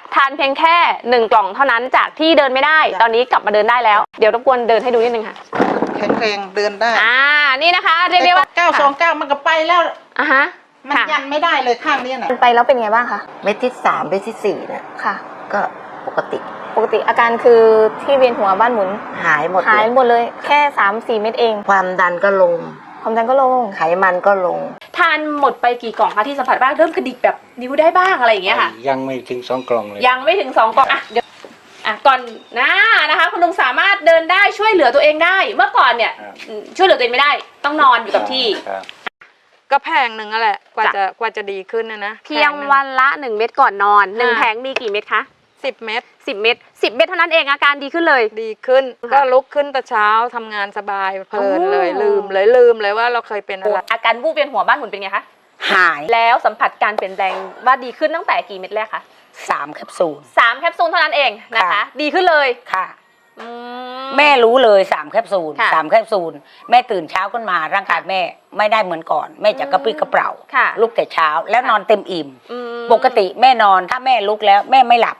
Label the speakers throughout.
Speaker 1: ทานเพียงแค่1 กล่องเท่านั้นจากที่เดินไม่ได้ตอนนี้กลับมาเดินได้แล้วเดี๋ยวรบกวนเดินให้ดูนิดนึงค่ะ
Speaker 2: แข็งแรงเดินได้
Speaker 1: นี่นะคะเรียกได้ว่า
Speaker 2: 929มันก็ไปแล้ว
Speaker 1: ฮะ
Speaker 2: มันยันไม่ได้เลยข้างนี้น่ะ
Speaker 1: ไปแล้วเป็นไงบ้างคะ
Speaker 3: เม็ดที่3เม็ดที่4เนี่ย
Speaker 1: ค่ะ
Speaker 3: ก็ปกติ
Speaker 1: อาการคือที่เวียนหัวบ้านหมุน
Speaker 3: หายหมด
Speaker 1: เลยแค่ 3-4 เม็ดเอง
Speaker 3: ความดันก็ลงไขมันก็ลง
Speaker 1: ทานหมดไปกี่กล่องคะที่สัมผัสบ้างเริ่มกระดิกแบบนิ้วได้บ้างอะไรอย่างเงี้ยค่ะ
Speaker 4: ยังไม่ถึง2 กล่องเลย
Speaker 1: ยังไม่ถึง2 กล่องเดี๋ยวก่อนนะคะคุณลุงสามารถเดินได้ช่วยเหลือตัวเองได้เมื่อก่อนเนี่ยช่วยเหลือตัวเองไม่ได้ต้องนอนอยู่กับที่
Speaker 5: ก็แพงหนึ่งนั่นแหละกว่าจะดีขึ้นนะ
Speaker 1: เพียงวันละ1 เม็ดก่อนนอน1 แผงมีกี่เม็ดคะ
Speaker 5: 10 เม็ด
Speaker 1: 10 เม็ดเท่านั้นเองอาการดีขึ้นเลย
Speaker 5: ดีขึ้นก็ลุกขึ้นแต่เช้าทำงานสบายเพลินเลยลืมเลยว่าเราเคยเป็นอะไร
Speaker 1: อาการวูบเวียนหัวบ้านหมุนเป็นไงคะ
Speaker 3: หาย
Speaker 1: แล้วสัมผัสการเปลี่ยนแปลงว่าดีขึ้นตั้งแต่กี่เม็ดแรกคะ
Speaker 3: 3 แคปซูล
Speaker 1: 3 แคปซูลเท่านั้นเองนะคะดีขึ้นเลย
Speaker 3: ค่ะแม่รู้เลย3 แคปซูล3 แคปซูลแม่ตื่นเช้าขึ้นมาร่างกายแม่ไม่ได้เหมือนก่อนแม่จะกระปรี้กระเปร่าลุกแต่เช้าแล้วนอนเต็มอิ่มปกติแม่นอนถ้าแม่ลุกแล้วแม่ไม่หลับ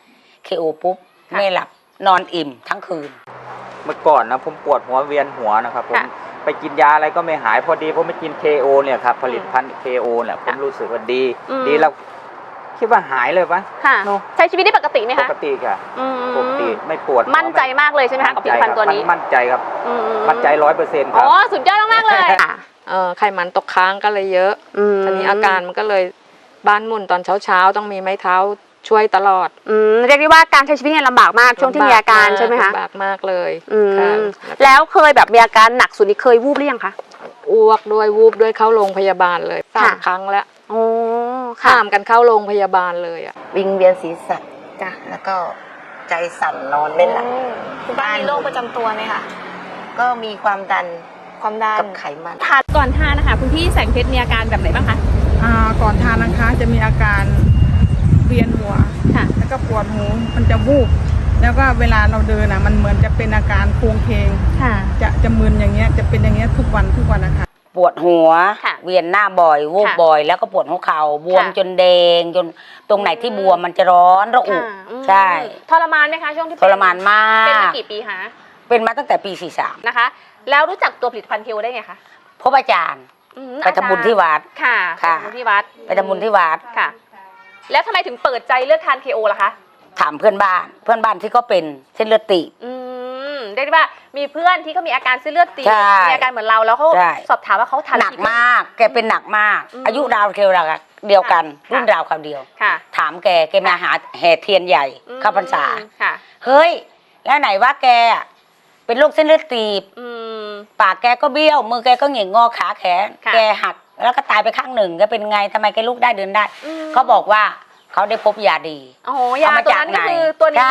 Speaker 3: KO ปุ๊บแม่หลับนอนอิ่มทั้งคืน
Speaker 4: เมื่อก่อนนะผมปวดหัวเวียนหัวนะครับผมไปกินยาอะไรก็ไม่หายพอดีผมไปกิน KO เนี่ยครับผลิตภัณฑ์ KO เนี่ยผมรู้สึกว่าดีแล้วคิดว่าหายเลยปะ
Speaker 1: ใช้ชีวิตได้ปกติไหมคะ
Speaker 4: ปกติค่ะปกติไม่ปวด
Speaker 1: มั่นใจมากเลยใช่ไหมคะกับผลิตภัณฑ์ตัวนี้
Speaker 4: มั่นใจครับมั่นใจ100%ครับ
Speaker 1: สุดยอดมากเลย
Speaker 5: ไขมันตกค้างก็เลยเยอะทีนี้อาการมันก็เลยบ้านหมุนตอนเช้าต้องมีไม้เท้าช่วยตลอด
Speaker 1: เรียกได้ว่าการใช้ชีวิตเนี่ยลำบากมากช่วงที่มีอาการใช่ไหมคะ
Speaker 5: ลำบากมากเลย
Speaker 1: แล้วเคยแบบมีอาการหนักสุดนี่เคยวูบหรือยังคะ
Speaker 5: อ้วกด้วยวูบด้วยเข้าโรงพยาบาลเลย3 ครั้งแล้วข้ามกันเข้าโรงพยาบาลเลย
Speaker 3: วิงเวียนศีรษะจ้ะแล้วก็ใจสั่นนอนไม่หลับ
Speaker 1: คุณป้ามีโรคประจำตัวไหมคะ
Speaker 3: ก็มีความดันกับไขมัน
Speaker 1: ทานก่อนทานนะคะคุณพี่แสงเพชรมีอาการแบบไหนบ้างคะ
Speaker 2: ก่อนทานนะคะจะมีอาการเวียนหัวแล้วก็ปวดหูมันจะวูบแล้วก็เวลาเราเดินมันเหมือนจะเป็นอาการโครงเคงจะมึนอย่างเงี้ยจะเป็นอย่างเงี้ยทุกวันนะคะ
Speaker 3: ปวดหัวเวียนหน้าบ่อยวูบบ่อยแล้วก็ปวดหัวเข่าบวมจนแดงจนตรงไหนที่บวมมันจะร้อนระอุใช่
Speaker 1: ทรมานไหมคะช่วงที่
Speaker 3: ทรมานมาก
Speaker 1: เป็นมากี่ปีคะ
Speaker 3: เป็นมาตั้งแต่ปี43
Speaker 1: นะคะแล้วรู้จักตัวผลิตภัณฑ์KOได้ไงคะ
Speaker 3: พบอาจารย์ไปทำบุญที่วัด
Speaker 1: ค่ะไปทำบุญที่วัดค่ะแล้วทำไมถึงเปิดใจเลือกทาน KO ล่ะคะ
Speaker 3: ถามเพื่อนบ้านที่เขาเป็นเส้นเลือดตีบ
Speaker 1: เรียกได้ว่ามีเพื่อนที่เขามีอาการเส้นเลือดตีบมีอาการเหมือนเราแล้วเขาสอบถามว่าเขาทาน
Speaker 3: หนักมากแกเป็นหนักมากอายุราวเดียวกันรุ่นราวคราวเดียวถามแกมาหาแห่เทียนใหญ่เข้าพรรษาเฮ้ยแล้วไหนว่าแกเป็นโรคเส้นเลือดตีบปากแกก็เบี้ยวมือแกก็เหง่งงอขาแขนแกหักแล้วก็ตายไปข้างหนึ่งแกเป็นไงทำไมแกลุกได้เดินได้เขาบอกว่าเขาได้พบยาดี
Speaker 1: เอามาจากไหน
Speaker 3: ใช่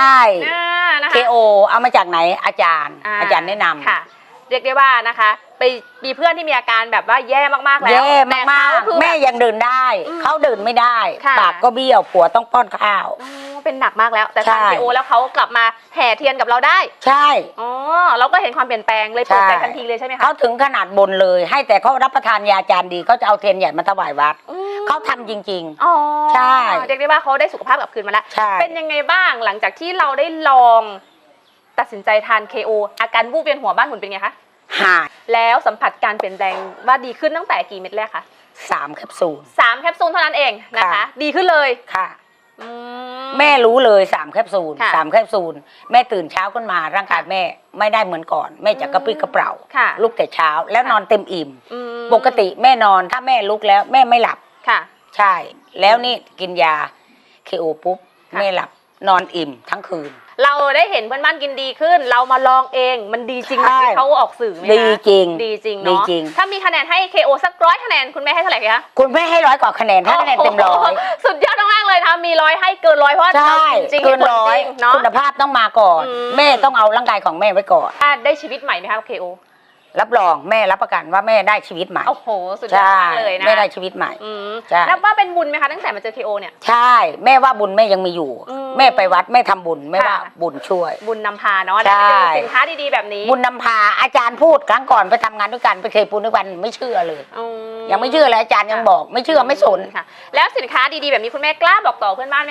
Speaker 3: KO เอามาจากไหนอาจารย์แนะนำ
Speaker 1: ค่ะเรียกได้ว่านะคะไปมีเพื่อนที่มีอาการแบบว่าแย่มากๆแล้ว
Speaker 3: แย่มากๆแม่ยังเดินได้เขาเดินไม่ได้ปากก็เบี้ยวผัวต้องป้อนข้าว
Speaker 1: เป็นหนักมากแล้วแต่ทาน KO แล้วเขากลับมาแห่เทียนกับเราได้
Speaker 3: ใช่
Speaker 1: เราก็เห็นความเปลี่ยนแปลงเลยเปิดใจทันทีเลยใช่ไหมคะ
Speaker 3: เขาถึงขนาดบนเลยให้แต่เขารับประทานยาจานดีเขาจะเอาเทียนใหญ่มาถวายวัดเขาทำจริงๆใช่
Speaker 1: เรียกได้ว่าเขาได้สุขภาพกลับคืนมาแล้วเป็นยังไงบ้างหลังจากที่เราได้ลองตัดสินใจทาน KO อาการวูบเวียนหัวบ้านหมุนเป็นไงคะ
Speaker 3: หาย
Speaker 1: แล้วสัมผัสการเปลี่ยนแปลงว่าดีขึ้นตั้งแต่กี่เม็ดแรกคะ
Speaker 3: 3 แคปซูล
Speaker 1: 3 แคปซูลเท่านั้นเองนะคะดีขึ้นเลย
Speaker 3: ค่ะแม่รู้เลย3 แคปซูล3 แคปซูลแม่ตื่นเช้าขึ้นมาร่างกายแม่ไม่ได้เหมือนก่อนแม่จะกระปรี้กระเปร่าลุกแต่เช้าแล้วนอนเต็มอิ่มปกติแม่นอนถ้าแม่ลุกแล้วแม่ไม่หลับใช่แล้วนี่กินยา KO ปุ๊บแม่หลับนอนอิ่มทั้งคืน
Speaker 1: เราได้เห็นเพื่อนบ้านกินดีขึ้นเรามาลองเองมันดีจริงที่เขาออกสื่อไหมคะ
Speaker 3: ดีจริง
Speaker 1: เนาะถ้ามีคะแนนให้ KO สัก100 คะแนนคุณแม่ให้เท่าไหร่คะ
Speaker 3: คุณแม่ให้100 กว่าคะแนนคะแนนเต็ม100
Speaker 1: สุดยอดมากเลยค่ะมี100ให้เกิน100เพราะจริง
Speaker 3: เกิน100เนาะคุณภาพต้องมาก่อนแม่ต้องเอาร่างกายของแม่ไว้ก่อน
Speaker 1: ได้ชีวิตใหม่ไหมคะ KO
Speaker 3: รับรองแม่รับประกันว่าแม่ได้ชีวิตใหม่
Speaker 1: โอ้โหสุดยอดมากเลยนะ
Speaker 3: แม่ได้ชีวิตใหม่
Speaker 1: นับว่าเป็นบุญไหมคะตั้งแต่มาเจอ KO เนี่ย
Speaker 3: ใช่แม่ว่าบุญแม่ยังมีอยู่แม่ไปวัดแม่ทำบุญแม่ว่าบุญช่วย
Speaker 1: บุญนำพาเนาะได้เจอสินค้าดีๆแบบนี้
Speaker 3: บุญนำพาอาจารย์พูดครั้งก่อนไปทำงานด้วยกันไปเคยปูนด้วยกันไม่เชื่อเลยยังไม่เชื่อเลยอาจารย์ยังบอกไม่เชื่อไม่สน
Speaker 1: ค่ะแล้วสินค้าดีๆแบบนี้คุณแม่กล้าบอกต่อเพื่อนบ้านไหมคะ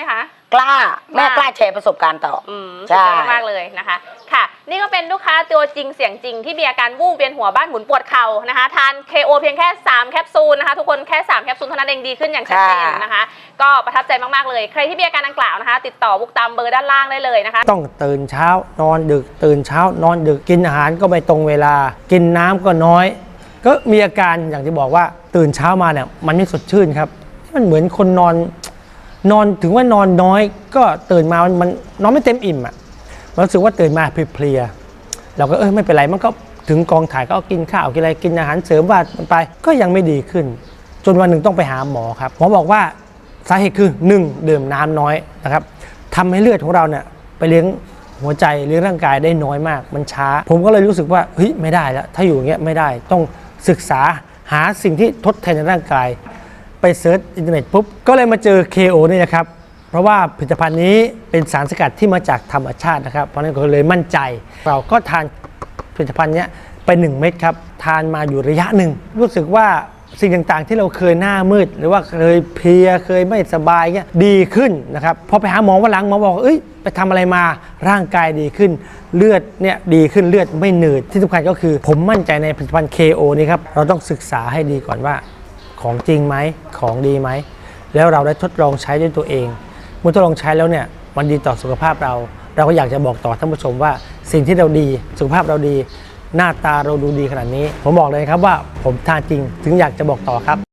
Speaker 3: กล้าแม่กล้าแชร์ประสบการณ์ต่อ
Speaker 1: สุดยอดมากเลยนะคะค่ะนี่ก็เป็นลูกค้าตัวจริงเสียงจริงที่มีอาการวูบเวียนหัวบ้านหมุนปวดเข่านะคะทาน KO เพียงแค่3แคปซูลนะคะทุกคนแค่3แคปซูลเท่านั้นเองดีขึ้นอย่างชัดเจนนะคะก็ประทับใจมากๆเลยใครที่มีอาการดังกล่าวนะคะติดต่อบุ๊กตามเบอร์ด้านล่างได้เลยนะคะ
Speaker 6: ต้องตื่นเช้านอนดึกตื่นเช้านอนดึกกินอาหารก็ไม่ตรงเวลากินน้ำก็น้อยก็มีอาการอย่างที่บอกว่าตื่นเช้ามาเนี่ยมันไม่สดชื่นครับมันเหมือนคนนอนถึงว่านอนน้อยก็ตื่นมามันนอนไม่เต็มอิ่มอ่ะมันรู้สึกว่าตื่นมาเพลียๆเราก็ไม่เป็นไรมันก็ถึงกองถ่ายก็กินข้าวกินอะไรกินอาหารเสริมว่ามันไปก็ยังไม่ดีขึ้นจนวันหนึ่งต้องไปหาหมอครับหมอบอกว่าสาเหตุคือ1ดื่มน้ำน้อยนะครับทำให้เลือดของเราเนี่ยไปเลี้ยงหัวใจเลี้ยงร่างกายได้น้อยมากมันช้าผมก็เลยรู้สึกว่าเฮ้ยไม่ได้แล้วถ้าอยู่อย่างเงี้ยไม่ได้ต้องศึกษาหาสิ่งที่ทดแทนในร่างกายไปเซิร์ชอินเทอร์เน็ตปุ๊บก็เลยมาเจอ KO นี่นะครับเพราะว่าผลิตภัณฑ์นี้เป็นสารสกัดที่มาจากธรรมชาตินะครับเพราะนั้นก็เลยมั่นใจเราก็ทานผลิตภัณฑ์นี้ไป1 เม็ดครับทานมาอยู่ระยะหนึ่งรู้สึกว่าสิ่งต่างๆที่เราเคยหน้ามืดหรือว่าเคยเพลียเคยไม่สบายเงี้ยดีขึ้นนะครับพอไปหาหมอวันหลังหมอบอกไปทำอะไรมาร่างกายดีขึ้นเลือดเนี่ยดีขึ้นเลือดไม่หนืดที่สำคัญก็คือผมมั่นใจในผลิตภัณฑ์ KO นี่ครับเราต้องศึกษาให้ดีก่อนว่าของจริงไหมของดีไหมแล้วเราได้ทดลองใช้ด้วยตัวเองเมื่อทดลองใช้แล้วเนี่ยมันดีต่อสุขภาพเราก็อยากจะบอกต่อท่านผู้ชมว่าสิ่งที่เราดีสุขภาพเราดีหน้าตาเราดูดีขนาดนี้ผมบอกเลยครับว่าผมทานจริงถึงอยากจะบอกต่อครับ